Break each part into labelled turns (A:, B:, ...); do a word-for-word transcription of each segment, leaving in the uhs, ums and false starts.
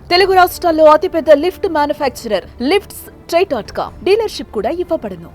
A: తెలుగు రాష్ట్రాల్లో అతిపెద్ద lift manufacturer lifts try dot com dealership కూడా ఇవ్వబడును.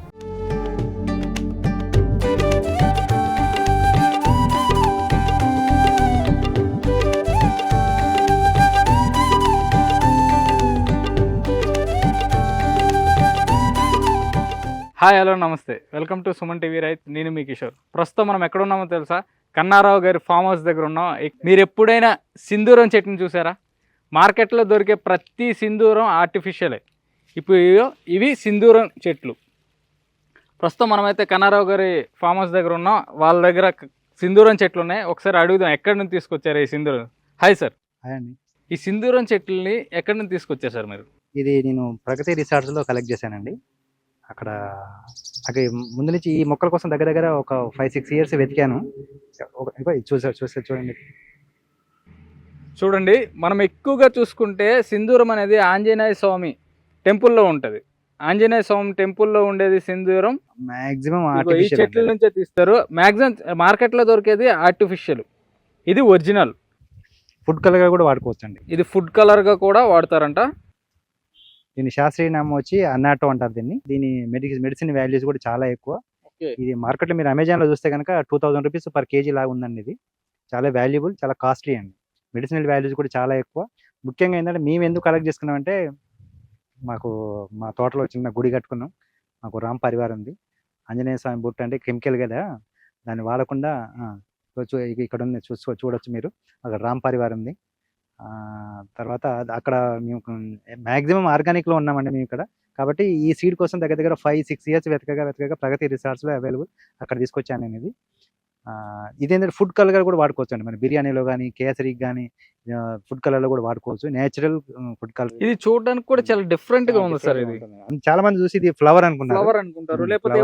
B: హాయ్ హలో నమస్తే, వెల్కమ్ టు సుమన్ టీవీ రైత్. నేను మీ కిషోర్. ప్రస్తుతం మనం ఎక్కడ ఉన్నామో తెలుసా? కన్నారావు గారి ఫామ్ హౌస్ దగ్గర ఉన్నాం. మీరు ఎప్పుడైనా సింధూరం చెట్టుని చూసారా? మార్కెట్లో దొరికే ప్రతి సింధూరం ఆర్టిఫిషియలే. ఇప్పుడు ఇవి సింధూరం చెట్లు. ప్రస్తుతం మనమైతే కన్నారావు గారి ఫామ్ హౌస్ దగ్గర ఉన్నాం. వాళ్ళ దగ్గర సింధూరం చెట్లు ఉన్నాయి. ఒకసారి అడుగుదాం, ఎక్కడి నుంచి తీసుకొచ్చారు ఈ సింధూరం? Hi sir.
C: హాయ్ అండి.
B: ఈ సింధూరం చెట్లని ఎక్కడి నుంచి తీసుకొచ్చారు సార్ మీరు?
C: ఇది నేను ప్రగతి రిసార్ట్స్లో కలెక్ట్ చేశానండి. అక్కడ అక్కడ ముందు నుంచి ఈ మొక్కల కోసం దగ్గర దగ్గర ఒక ఫైవ్ సిక్స్ ఇయర్స్ వెతికాను. చూసారు చూసారు చూడండి
B: చూడండి మనం ఎక్కువగా చూసుకుంటే సింధూరం అనేది ఆంజనేయ స్వామి టెంపుల్లో ఉంటుంది. ఆంజనేయ స్వామి టెంపుల్లో ఉండేది సింధూరం
C: మాక్సిమం
B: ఈ చెట్ల నుంచే తీస్తారు. మాక్సిమం మార్కెట్లో దొరికేది ఆర్టిఫిషియల్, ఇది ఒరిజినల్.
C: ఫుడ్ కలర్ గా కూడా వాడుకోవచ్చు అండి.
B: ఇది ఫుడ్ కలర్ గా కూడా వాడతారంట.
C: దీని శాస్త్రీయ నామం వచ్చి అన్నాటో అంటారు దీన్ని. దీని మెడిసిన్ మెడిసిన్ వాల్యూస్ కూడా చాలా ఎక్కువ. ఇది మార్కెట్లో మీరు అమెజాన్ లో చూస్తే కనుక two thousand rupees per KG లాగా ఉందండి. ఇది చాలా వాల్యుబుల్, చాలా కాస్ట్లీ అండి. మెడిసినల్ వాల్యూస్ కూడా చాలా ఎక్కువ. ముఖ్యంగా ఏంటంటే మేము ఎందుకు కలెక్ట్ చేసుకున్నామంటే, మాకు మా తోటలో చిన్న గుడి కట్టుకున్నాం. మాకు రామ్ పరివారం ఉంది. ఆంజనేయ స్వామి బుట్ట అంటే కెమికల్ కదా, దాన్ని వాడకుండా ఇక్కడ ఉంది చూసుకో చూడొచ్చు మీరు. అక్కడ రామ్ పరివారం ఉంది. తర్వాత అక్కడ మేము మ్యాక్సిమం ఆర్గానిక్లో ఉన్నామండి మేము ఇక్కడ. కాబట్టి ఈ సీడ్ కోసం దగ్గర దగ్గర ఫైవ్ సిక్స్ ఇయర్స్ వెతకగా వెతకగా ప్రగతి రిసార్ట్స్లో అవైలబుల్ అక్కడ తీసుకొచ్చాను నేను. ఇది ఇదేంటంటే ఫుడ్ కలర్ కూడా వాడుకోవచ్చు అండి. మన బిర్యానీలో కానీ కేసరికి కానీ ఫుడ్ కలర్లో కూడా వాడుకోవచ్చు. Natural food colour.
B: ఇది చూడడానికి కూడా చాలా డిఫరెంట్ గా ఉంది సార్. ఇది
C: చాలా మంది చూసి ఇది ఫ్లవర్ అనుకుంటారు.
B: ఫ్లవర్ అనుకుంటారు లేకపోతే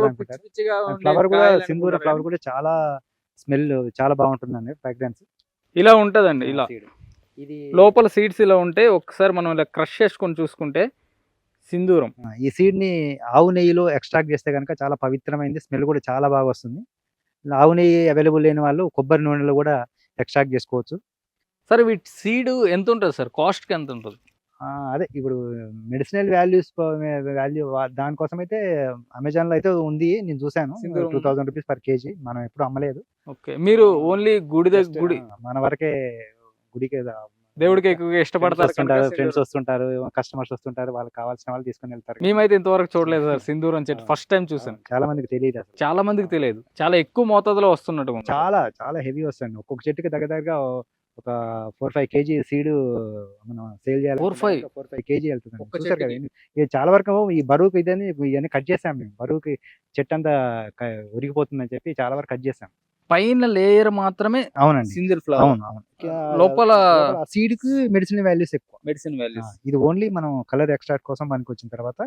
C: ఫ్లవర్ కూడా సింధూర ఫ్లవర్ కూడా చాలా స్మెల్ చాలా బాగుంటుందండి, ఫ్రాగ్రెన్స్.
B: ఇలా ఉంటదండి. ఇలా ఇది లోపల సీడ్స్ ఇలా ఉంటే ఒకసారి మనం ఇలా క్రష్ చేసుకొని చూసుకుంటే సింధూరం.
C: ఈ సీడ్ ని ఆవు నెయ్యిలో ఎక్స్ట్రాక్ట్ చేస్తే కనుక చాలా పవిత్రమైంది, స్మెల్ కూడా చాలా బాగా వస్తుంది. ఆవు నెయ్యి అవైలబుల్ లేని వాళ్ళు కొబ్బరి నూనెలో కూడా ఎక్స్ట్రాక్ట్ చేసుకోవచ్చు.
B: సార్ వీటి సీడ్ ఎంత ఉంటుంది సార్? కాస్ట్ కి ఎంత ఉంటుంది?
C: అదే ఇప్పుడు మెడిసినల్ వాల్యూస్ వాల్యూ దానికోసం అయితే అమెజాన్ లో అయితే ఉంది, నేను చూసాను. Two thousand rupees per KG. మనం ఎప్పుడు అమ్మలేదు.
B: ఓకే, మీరు ఓన్లీ గుడి దగ్గర గుడి
C: మన వరకే గుడికి
B: దేవుడికి ఎక్కువగా ఇష్టపడతారు.
C: ఫ్రెండ్స్ వస్తుంటారు, కస్టమర్స్ వస్తుంటారు, వాళ్ళకి కావాల్సిన వాళ్ళు తీసుకొని వెళ్తారు.
B: మేమైతే ఇంతవరకు చూడలేదు సార్ సింధూరం చెట్టు, ఫస్ట్ టైం చూసాను.
C: చాలా మందికి తెలియదు,
B: చాలా మందికి తెలియదు. చాలా ఎక్కువ మోతాదులో వస్తున్నట్టు,
C: చాలా చాలా హెవీ వస్తుంది. ఒక్కొక్క చెట్టుకి దగ్గర దగ్గర ఒక ఫోర్ ఫైవ్ కేజీ సీడ్ మనం సేల్ చేయాలి. Four five four five KG వెళ్తుంది. ఇది చాలా వరకు ఈ బరువుకి ఇదని ఇవన్నీ కట్ చేసాం మేము. బరువుకి చెట్టు అంతా ఉరిగిపోతుందని చెప్పి చాలా వరకు కట్ చేసాం.
B: పైన లేయర్ మాత్రమే.
C: అవునండి,
B: సింగిల్ ఫ్లవర్.
C: అవును అవును.
B: లోపల
C: సీడ్ కి మెడిసిన్ వాల్యూస్ ఎక్కువ.
B: Medicine values.
C: ఇది ఓన్లీ మనం కలర్ ఎక్స్ట్రాక్ట్ కోసం మనకి వచ్చిన తర్వాత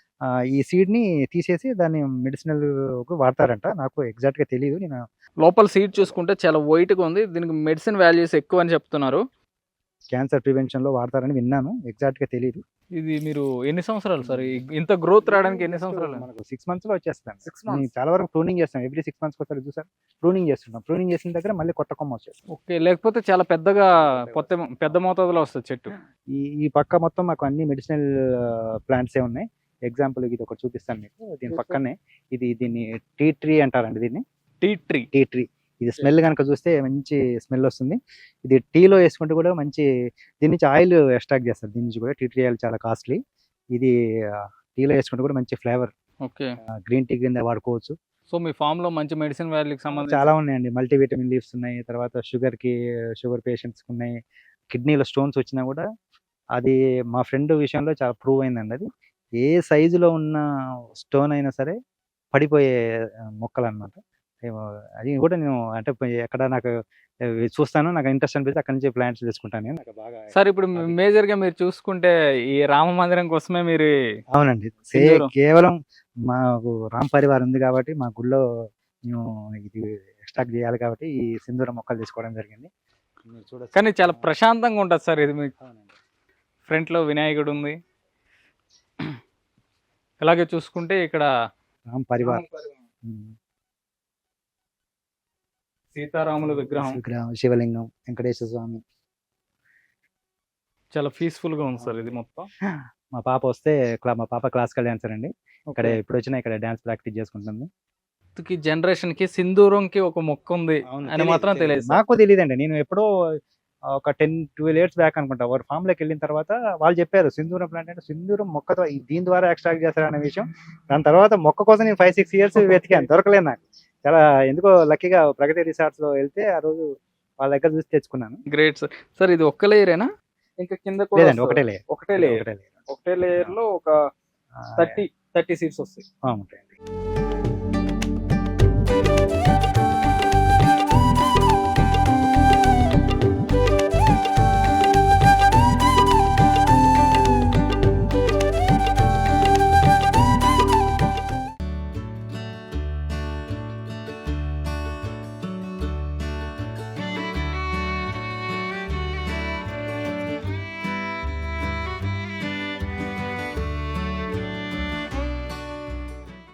C: ఈ సీడ్ ని తీసేసి దాన్ని మెడిసినల్ వాడతారంట. నాకు ఎగ్జాక్ట్ గా తెలియదు. నేను
B: లోపల సీడ్ చూసుకుంటే చాలా వైట్ గా ఉంది. దీనికి మెడిసిన్ వాల్యూస్ ఎక్కువ అని చెప్తున్నారు. క్యాన్సర్
C: ప్రివెన్షన్ లో వాడతారని విన్నాను, ఎగ్జాక్ట్ గా తెలియదు.
B: ఇది మీరు ఎన్ని సంవత్సరాలు సార్ ఇంత గ్రోత్ రావడానికి? ఎన్ని సంవత్సరాలు?
C: మనకు సిక్స్ మంత్స్ లో వచ్చేస్తాను. సిక్స్ మంత్స్ చాలా వరకు ప్రూనింగ్ చేస్తాం. ఎవ్రీ సిక్స్ మంత్స్ ఒకసారి చూసారు ప్రూనింగ్ చేస్తున్నాం. ప్రూనింగ్ చేసిన దగ్గర మళ్ళీ కొత్త కొమ్మ వచ్చేస్తాం.
B: ఓకే, లేకపోతే చాలా పెద్దగా కొత్త పెద్ద మోతాదులో వస్తుంది చెట్టు.
C: ఈ ఈ పక్క మొత్తం మాకు అన్ని మెడిసినల్ ప్లాంట్స్ ఏ ఉన్నాయి. ఎగ్జాంపుల్ ఇది ఒకటి చూపిస్తాను మీకు. దీని పక్కనే ఇది దీన్ని టీ ట్రీ అంటారండి. దీన్ని
B: టీ ట్రీ
C: టీ ట్రీ ఇది స్మెల్ కనుక చూస్తే మంచి స్మెల్ వస్తుంది. ఇది టీలో వేసుకుంటే కూడా మంచి, దీని నుంచి ఆయిల్ ఎక్స్ట్రాక్ట్ చేస్తారు. దీని నుంచి కూడా టీ ట్రీ ఆయిల్ చాలా కాస్ట్లీ. ఇది టీలో వేసుకుంటే కూడా మంచి ఫ్లేవర్.
B: ఓకే,
C: గ్రీన్ టీ కింద వాడుకోవచ్చు.
B: సో మీ ఫామ్ లో మంచి మెడిసిన్ వాల్యూకి సంబంధించి
C: చాలా ఉన్నాయండి. మల్టీవిటమిన్ లీవ్స్ ఉన్నాయి. తర్వాత షుగర్ కి షుగర్ పేషెంట్స్ కి ఉన్నాయి. కిడ్నీలో స్టోన్స్ వచ్చినా కూడా అది మా ఫ్రెండ్ విషయంలో చాలా ప్రూవ్ అయిందండి. అది ఏ సైజులో ఉన్న స్టోన్ అయినా సరే పడిపోయే మొక్కలు అన్నమాట. అది కూడా నేను అంటే ఎక్కడ నాకు చూస్తాను, నాకు ఇంట్రెస్ట్ అనిపిస్తే అక్కడ నుంచి ప్లాంట్స్ తీసుకుంటాను. నాకు బాగా
B: సార్ ఇప్పుడు మేజర్ గా మీరు చూసుకుంటే ఈ రామ మందిరం కోసమే మీరు?
C: అవునండి, కేవలం మాకు రామ్ పరివారం ఉంది కాబట్టి మా గుళ్ళో మేము ఇది ఎక్స్ట్రాక్ట్ చేయాలి కాబట్టి ఈ సింధూరం మొక్కలు తీసుకోవడం జరిగింది.
B: కానీ చాలా ప్రశాంతంగా ఉంటుంది సార్ ఇది. మీకు ఫ్రంట్ లో వినాయకుడు ఉంది. అలాగే చూసుకుంటే ఇక్కడ
C: రామ్ పరివార్,
B: సీతారాముల విగ్రహం,
C: విగ్రహం, శివలింగం, వెంకటేశ్వర స్వామి.
B: చాలా పీస్ఫుల్ గా ఉంది సార్ ఇది మొత్తం.
C: మా పాప వస్తే క్లా- మా పాప క్లాసికల్ డాన్సర్ అండి. ఇక్కడ ఇప్పుడు వచ్చినా ఇక్కడ డాన్స్ ప్రాక్టీస్ చేసుకుంటుంది.
B: కి జనరేషన్ కి సింధూరంకి ఒక మొక్క ఉంది అని మాత్రం తెలియదు సార్.
C: నాకు తెలియదండి. నేను ఎప్పుడో ఒక టెన్ ట్వెల్వ్ ఇయర్స్ బ్యాక్ అనుకుంటా ఒక ఫామ్ లోకి వెళ్ళిన తర్వాత వాళ్ళు చెప్పారు సింధూరం ప్లాంట్ అంటే సింధూరం మొక్క ద్వారా- దీని ద్వారా ఎక్స్ట్రాక్ట్ చేస్తారు అనే విషయం. దాని తర్వాత మొక్క కోసం నేను ఫైవ్ సిక్స్ ఇయర్స్ వెతికాను, దొరకలేదు నాకు. చాలా ఎందుకో లక్కీగా ప్రగతి రిసార్ట్స్ లో వెళ్తే ఆ రోజు వాళ్ళ దగ్గర చూసి తెచ్చుకున్నాను.
B: Great sir. సార్ ఇది ఒక్క లేయరేనా ఇంకా కింద కూడా
C: లేదండి,
B: వస్తుందా?
C: ఒకటే లేయర్.
B: ఒకటే లేయర్.
C: ఒకటే లేయర్
B: ఒకటే లేయర్ లో ఒక థర్టీ థర్టీ సీట్స్ వస్తాయి.
C: ఉంటాయండి.